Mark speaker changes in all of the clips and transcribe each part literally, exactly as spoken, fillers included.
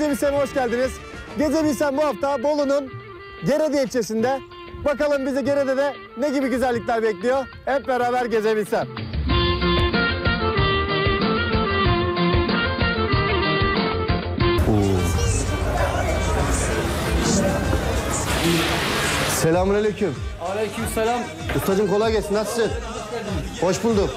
Speaker 1: Gezebilsem'e hoş geldiniz. Gezebilsem bu hafta Bolu'nun Gerede ilçesinde. Bakalım bizi Gerede'de ne gibi güzellikler bekliyor? Hep beraber Gezebilsem. Selamünaleyküm.
Speaker 2: Aleykümselam.
Speaker 1: Ustacığım kolay gelsin. Nasılsın? Hoş bulduk.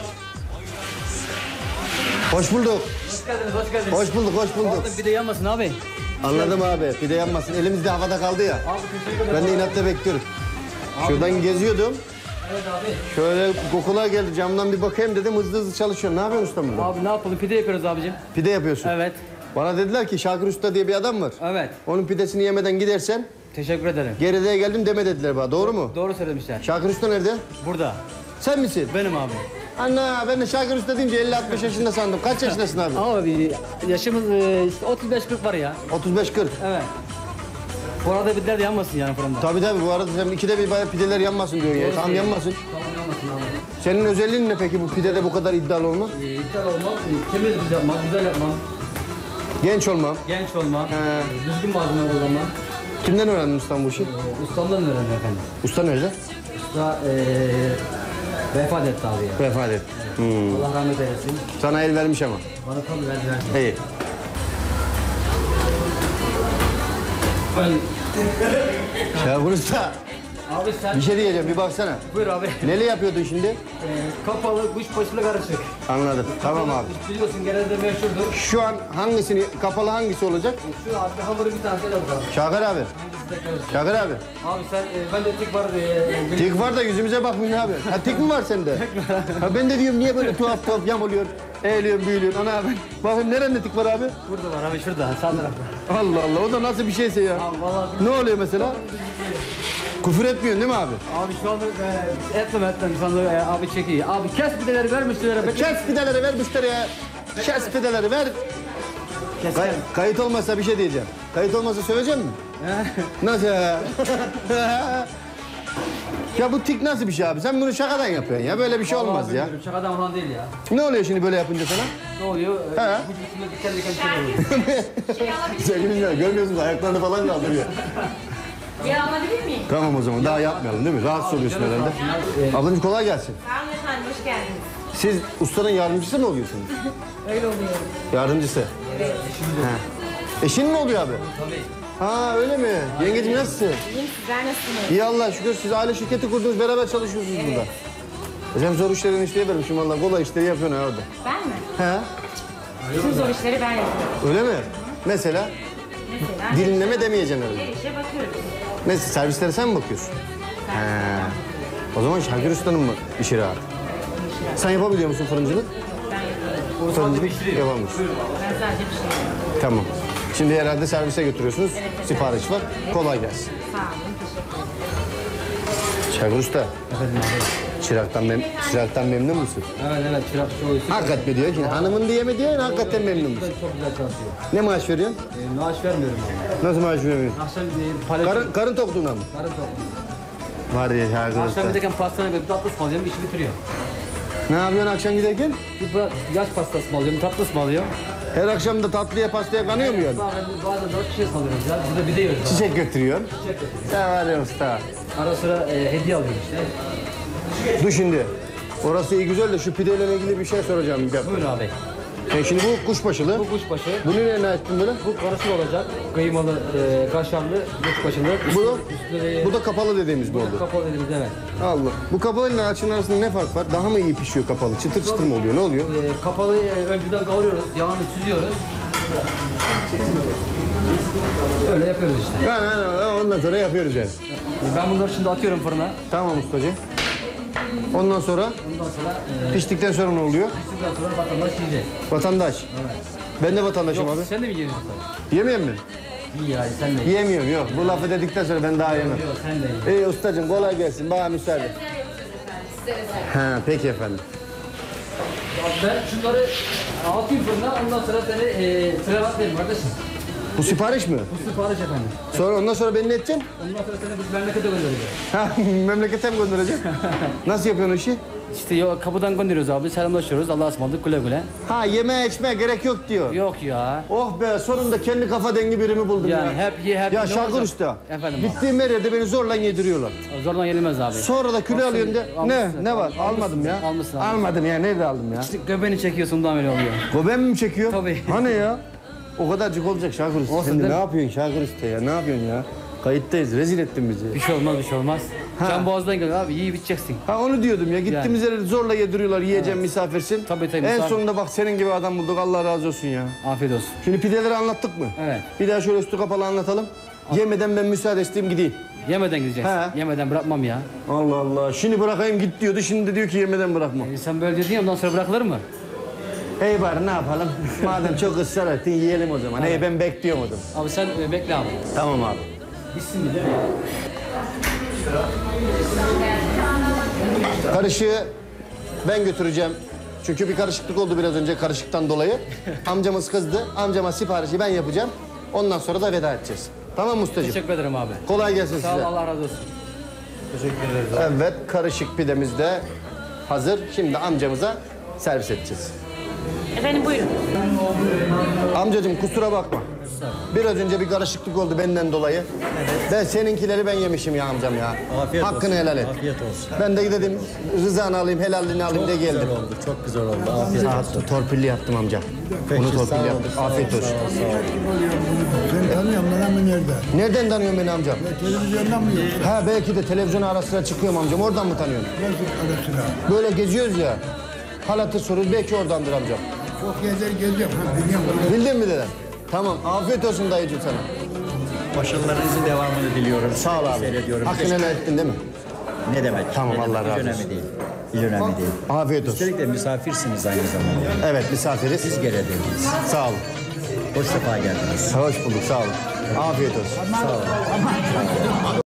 Speaker 1: Hoş bulduk.
Speaker 2: Hoş geldiniz, hoş geldiniz.
Speaker 1: Hoş bulduk, hoş bulduk.
Speaker 2: Bir de yanmasın abi.
Speaker 1: Anladım abi. Bir de yanmasın. Elimizde havada kaldı ya.
Speaker 2: Abi teşekkür ederim.
Speaker 1: Ben de inatla bekliyorum. Şuradan geziyordum.
Speaker 2: Evet abi.
Speaker 1: Şöyle kokular geldi. Camdan bir bakayım dedim. Hızlı hızlı çalışıyorum. Ne yapıyorsun usta burada?
Speaker 2: Abi ne yapalım? Pide yapıyoruz abicim.
Speaker 1: Pide yapıyorsun.
Speaker 2: Evet.
Speaker 1: Bana dediler ki Şakir Usta diye bir adam var.
Speaker 2: Evet.
Speaker 1: Onun pidesini yemeden gidersen
Speaker 2: Teşekkür ederim.
Speaker 1: Geride'ye geldim deme dediler bana. Doğru mu?
Speaker 2: Doğru söylemişler.
Speaker 1: Şakir Usta nerede?
Speaker 2: Burada.
Speaker 1: Sen misin?
Speaker 2: Benim abi.
Speaker 1: Ana ben de Şakir Usta deyince elli altmış yaşında sandım. Kaç yaşındasın abi?
Speaker 2: Abi yaşımız e, işte otuz beş kırk var ya.
Speaker 1: otuz beş kırk.
Speaker 2: Evet. Bu arada pideler de yanmasın yani fırında.
Speaker 1: Tabii tabii bu arada sen ikide bir bayağı pideler yanmasın diyor ya. Tamam yanmasın.
Speaker 2: Tamam yanmasın abi.
Speaker 1: Senin özelliğin ne peki bu pidede bu kadar iddialı olma?
Speaker 2: E, iptal olmam, e, temiz biz yapmam, güzel yapmam,
Speaker 1: Genç olmam.
Speaker 2: genç olmam,
Speaker 1: He.
Speaker 2: e, düzgün malzeme kullanmam.
Speaker 1: Kimden öğrendin ustam bu işi?
Speaker 2: E, ustamdan öğrendim efendim.
Speaker 1: Usta nerede?
Speaker 2: Usta e, vefat etti abi ya.
Speaker 1: Vefat et. Hmm.
Speaker 2: Allah rahmet eylesin.
Speaker 1: Sana el vermiş ama.
Speaker 2: Bana tabii verdi verdi.
Speaker 1: İyi.
Speaker 2: Ben...
Speaker 1: Şakir Usta
Speaker 2: Abi sen...
Speaker 1: bir şey diyeceğim bir baksana.
Speaker 2: Buyur abi.
Speaker 1: Neyle yapıyordun şimdi?
Speaker 2: Ee, kapalı, kuşbaşılı karışık.
Speaker 1: Anladım. Tamam abi.
Speaker 2: Biliyorsun genelde meşhurdur.
Speaker 1: Şu an hangisini, kapalı hangisi olacak?
Speaker 2: Şu abi hamuru bir tane de bakalım.
Speaker 1: Şakir abi. Şakir abi.
Speaker 2: Abi sen, e, ben de tik var diye...
Speaker 1: Tik var da yüzümüze bakmıyorsun abi. Ha tik mi var sende? Ha ben de diyorum niye böyle tuhaf tuhaf yamuluyor, eğiliyorsun, büyülüyorsun. Ana abi. Bakayım nerede tik var abi?
Speaker 2: Burada var abi şurada, sağ tarafta.
Speaker 1: Allah Allah o da nasıl bir şeyse ya.
Speaker 2: Abi vallahi...
Speaker 1: Ne oluyor mesela? Küfür etmiyorsun değil mi abi?
Speaker 2: Abi şu anda e, etmem etmem şu anda e, abi çekiyor. Abi kes pideleri ver müşterilere.
Speaker 1: Kes pideleri ver müşteriye. Kes pideleri ver.
Speaker 2: Kes.
Speaker 1: Kay- kayıt olmazsa bir şey diyeceğim. Kayıt olmazsa söyleyeceğim mi? Nasıl ya? Ya bu tik nasıl bir şey abi? Sen bunu şakadan yapıyorsun ya. Böyle bir şey olmaz ya.
Speaker 2: Şakadan falan değil ya.
Speaker 1: Ne oluyor şimdi böyle yapınca sana?
Speaker 2: Ne oluyor?
Speaker 1: He.
Speaker 2: E, bu üstünde diken diken bir şey oluyor.
Speaker 1: Sevgili dinleyenler, görmüyorsunuz ayaklarını falan kaldırıyor.
Speaker 3: Ya alabilir miyim?
Speaker 1: Tamam o zaman daha yapmayalım değil mi? Rahatsız oluyorsun herhalde. Ablacığım kolay gelsin.
Speaker 3: Sağ olun efendim, hoş geldiniz.
Speaker 1: Siz ustanın yardımcısı mı oluyorsunuz?
Speaker 3: Öyle oluyor.
Speaker 1: Yardımcısı.
Speaker 3: Evet.
Speaker 1: He. Eşin mi oluyor abi?
Speaker 2: Tabii.
Speaker 1: Ha öyle mi? Yengeciğim nasılsın?
Speaker 3: İyiyim, sizler nasılsınız?
Speaker 1: İyi Allah şükür siz aile şirketi kurdunuz beraber çalışıyorsunuz burada. Sen zor işlerini işleye vermişim valla kolay işleri yapıyorsun ha orada.
Speaker 3: Ben mi?
Speaker 1: He?
Speaker 3: Bütün zor işleri ben yapıyorum.
Speaker 1: Öyle mi? Mesela
Speaker 3: Mesela
Speaker 1: dilinleme demeyeceksin herhalde.
Speaker 3: her işe bakıyoruz.
Speaker 1: Mesela servislere sen mi bakıyorsun? He. O zaman Şakir Usta'nın mı işi rahat? Sen yapabiliyor musun fırıncılık?
Speaker 3: Ben yapıyorum.
Speaker 1: Fırıncılık yapamıyorsun.
Speaker 3: Ben sadece bir şey yapıyorum.
Speaker 1: Tamam. Şimdi herhalde servise götürüyorsunuz.
Speaker 3: Evet.
Speaker 1: Sipariş var. Kolay gelsin.
Speaker 3: Sağ olun, teşekkür ederim.
Speaker 1: Şakir Usta,
Speaker 2: Efendim abi.
Speaker 1: çıraktan, mem çıraktan memnun musun?
Speaker 2: Evet evet çırak çoğu işi.
Speaker 1: Hakikat mi diyor ki? Hanımın diye mi diyor, hakikaten memnun musun?
Speaker 2: Çok güzel çalışıyor.
Speaker 1: Ne maaş veriyorsun?
Speaker 2: E, maaş vermiyorum abi.
Speaker 1: Nasıl maaş veriyorsun?
Speaker 2: Akşam e, palet...
Speaker 1: Karın, karın tokluğuna mı?
Speaker 2: Karın topluyor.
Speaker 1: Var ya Şakir
Speaker 2: Akşam
Speaker 1: Usta.
Speaker 2: giderken pastaneye bir tatlı ısmarlıyorum, işi bitiriyor.
Speaker 1: Ne yapıyorsun akşam giderken?
Speaker 2: Bir pa- yaş pastası ısmarlıyorum, tatlı ısmarlıyorum.
Speaker 1: Her akşam da tatlıya pastaya kanıyor mu yani?
Speaker 2: Bazen, bazen dört kişi ısmarlıyoruz ya. Burada bir de yiyoruz. abi.
Speaker 1: Çiçek götürüyorsun.
Speaker 2: Çiçek yapıyoruz.
Speaker 1: Ya var ya usta.
Speaker 2: Ara sıra e, hediye alıyoruz işte.
Speaker 1: Dur şimdi. Orası iyi güzel de şu pideyle ilgili bir şey soracağım. Bir dakika.
Speaker 2: Buyur abi.
Speaker 1: Sen şimdi bu kuşbaşılı.
Speaker 2: Bu kuşbaşı.
Speaker 1: Bunu nereye açtın böyle?
Speaker 2: Bu karışık olacak. Kıymalı, e, kaşarlı, kuşbaşılı.
Speaker 1: Bu da,
Speaker 2: Üstüne de-
Speaker 1: bu da kapalı dediğimiz bu oldu.
Speaker 2: kapalı dediğimiz evet.
Speaker 1: Allah. Bu kapalı ile açın arasında ne fark var? Daha mı iyi pişiyor kapalı? Çıtır çıtır mı oluyor? Ne oluyor?
Speaker 2: E, kapalı e, önceden kavuruyoruz, yağını süzüyoruz. Öyle yapıyoruz işte.
Speaker 1: Ha, ha, ha, ondan sonra yapıyoruz yani.
Speaker 2: E, ben bunları şimdi atıyorum fırına.
Speaker 1: Tamam ustacığım. Ondan sonra
Speaker 2: Ondan sonra e,
Speaker 1: piştikten sonra ne oluyor?
Speaker 2: piştikten sonra vatandaş yiyecek.
Speaker 1: Vatandaş.
Speaker 2: Evet.
Speaker 1: Ben de vatandaşım
Speaker 2: Yok
Speaker 1: abi.
Speaker 2: sen de mi yiyorsun?
Speaker 1: Yemeyeyim mi?
Speaker 2: İyi yani sen de ye.
Speaker 1: Yemiyorum yok. Bu lafı dedikten sonra ben daha yemem.
Speaker 2: Yok sen de ye.
Speaker 1: İyi ustacığım kolay gelsin. Bana müsaade. Ha, peki efendim.
Speaker 2: Ben şunları atayım fırına ondan sonra seni e, sıra atlayayım kardeşim.
Speaker 1: Bu sipariş mi?
Speaker 2: Bu sipariş efendim.
Speaker 1: Sonra ondan sonra beni ne edeceksin?
Speaker 2: Ondan sonra seni biz memlekete göndereceğiz.
Speaker 1: Ha, memlekete mi göndereceksin? Nasıl yapıyorsun o işi?
Speaker 2: İşte yo, kapıdan gönderiyoruz abi. Selamlaşıyoruz. Allah'a ısmarladık güle güle.
Speaker 1: Ha yeme içme gerek yok diyor.
Speaker 2: Yok ya.
Speaker 1: Oh be sonunda kendi kafa dengi birimi buldum
Speaker 2: Yani
Speaker 1: ya.
Speaker 2: hep ye hep
Speaker 1: Ya
Speaker 2: ne
Speaker 1: Şarkır
Speaker 2: olacak?
Speaker 1: Usta.
Speaker 2: Efendim abi.
Speaker 1: Gittiğim her yerde beni zorla yediriyorlar.
Speaker 2: Zorla yenilmez abi.
Speaker 1: Sonra da kilo
Speaker 2: Baksana,
Speaker 1: alıyorsun de. Ne?
Speaker 2: almışsın.
Speaker 1: Ne var?
Speaker 2: Almışsın,
Speaker 1: Almadım ya.
Speaker 2: almışsın abi.
Speaker 1: Almadım ya. Nerede aldım ya?
Speaker 2: İşte göbeğini çekiyorsun da öyle oluyor.
Speaker 1: Goben mi çekiyor?
Speaker 2: Tabii.
Speaker 1: Hani ya? O kadarcık olacak Şarkır Usta.
Speaker 2: Olsun
Speaker 1: Sen de
Speaker 2: değil
Speaker 1: ne
Speaker 2: mi?
Speaker 1: yapıyorsun Şarkır Usta ya? Ne yapıyorsun ya? Kayıttayız. Rezil ettin bizi.
Speaker 2: Bir şey olmaz bir şey olmaz.
Speaker 1: Ha.
Speaker 2: Can boğazdan geliyor abi iyi biteceksin.
Speaker 1: Ha onu diyordum ya. Gittiğimiz yere zorla yediriyorlar. Yiyeceğim misafirsin.
Speaker 2: Tabii, tabii,
Speaker 1: En
Speaker 2: misafir.
Speaker 1: sonunda bak senin gibi adam bulduk. Allah razı olsun ya.
Speaker 2: Afiyet olsun.
Speaker 1: Şimdi pideleri anlattık mı?
Speaker 2: Evet.
Speaker 1: Bir daha şöyle üstü kapalı anlatalım. Yemeden ben müsaade isteyeyim gideyim.
Speaker 2: Yemeden gideceksin.
Speaker 1: He.
Speaker 2: Yemeden bırakmam ya.
Speaker 1: Allah Allah. Şimdi bırakayım git diyordu. Şimdi de diyor ki yemeden bırakma.
Speaker 2: E, sen böyle dedin ya ondan sonra bırakılır mı?
Speaker 1: Hey bari ne yapalım? Madem çok ısrar ettin yiyelim o zaman. Hey ben bekliyorum o zaman.
Speaker 2: Abi sen e, bekle abi.
Speaker 1: Tamam abi.
Speaker 2: Bitsin mi değil mi?
Speaker 1: Karışığı ben götüreceğim. Çünkü bir karışıklık oldu biraz önce karışıktan dolayı. Amcamız kızdı. Amcama siparişi ben yapacağım. Ondan sonra da veda edeceğiz. Tamam mı ustacığım?
Speaker 2: Teşekkür ederim abi.
Speaker 1: Kolay gelsin
Speaker 2: Sağ ol
Speaker 1: size.
Speaker 2: Allah razı olsun.
Speaker 1: Evet karışık pidemiz de hazır. Şimdi amcamıza servis edeceğiz.
Speaker 3: Efendim buyurun.
Speaker 1: Amcacığım kusura bakma. Biraz önce bir karışıklık oldu benden dolayı. Ben seninkileri ben yemişim ya amcam ya.
Speaker 4: Afiyet
Speaker 1: Hakkını
Speaker 4: olsun.
Speaker 1: helal et.
Speaker 4: Afiyet olsun.
Speaker 1: Ben de dedim rızanı alayım, helalini alayım de geldim.
Speaker 4: Güzel oldu, çok güzel oldu. Afiyet
Speaker 1: Sağ
Speaker 4: olsun.
Speaker 1: ol, torpilli yaptım amcam.
Speaker 4: Peki,
Speaker 1: Bunu
Speaker 4: sağ
Speaker 1: torpilli
Speaker 4: olun,
Speaker 1: yaptım.
Speaker 4: sağ olun,
Speaker 1: Afiyet olsun.
Speaker 4: sağ olun, sağ olun.
Speaker 5: Sen tanıyor musun lan bu nerede?
Speaker 1: Nereden tanıyorsun beni amcam?
Speaker 5: Televizyondan mı yok?
Speaker 1: Ha belki de televizyon ara sıra çıkıyorum amcam. Oradan mı tanıyorsun?
Speaker 5: Nasıl ara sıra?
Speaker 1: Böyle geziyoruz ya. Hal hatır soruyoruz. Belki oradandır amcam.
Speaker 5: Çok gezer geziyorum. Ha, biliyorum.
Speaker 1: Bildin mi dede? Tamam. Afiyet olsun dayıcığım sana.
Speaker 4: Başarılarınızın devamını diliyorum.
Speaker 1: Sağ ol abi.
Speaker 4: Seyrediyorum.
Speaker 1: Hakkını helal ettin değil mi?
Speaker 4: Ne demek?
Speaker 1: Tamam,
Speaker 4: Ne demek?
Speaker 1: Allah razı
Speaker 4: Hiç
Speaker 1: olsun.
Speaker 4: önemli değil. Hiç önemli değil.
Speaker 1: Afiyet olsun.
Speaker 4: Üstelik de misafirsiniz aynı zamanda.
Speaker 1: Evet misafiriz.
Speaker 4: Siz gelediniz.
Speaker 1: Sağ olun.
Speaker 4: Hoş sefa geldiniz.
Speaker 1: Hoş bulduk. Sağ olun. Afiyet olsun.
Speaker 4: Sağ olun.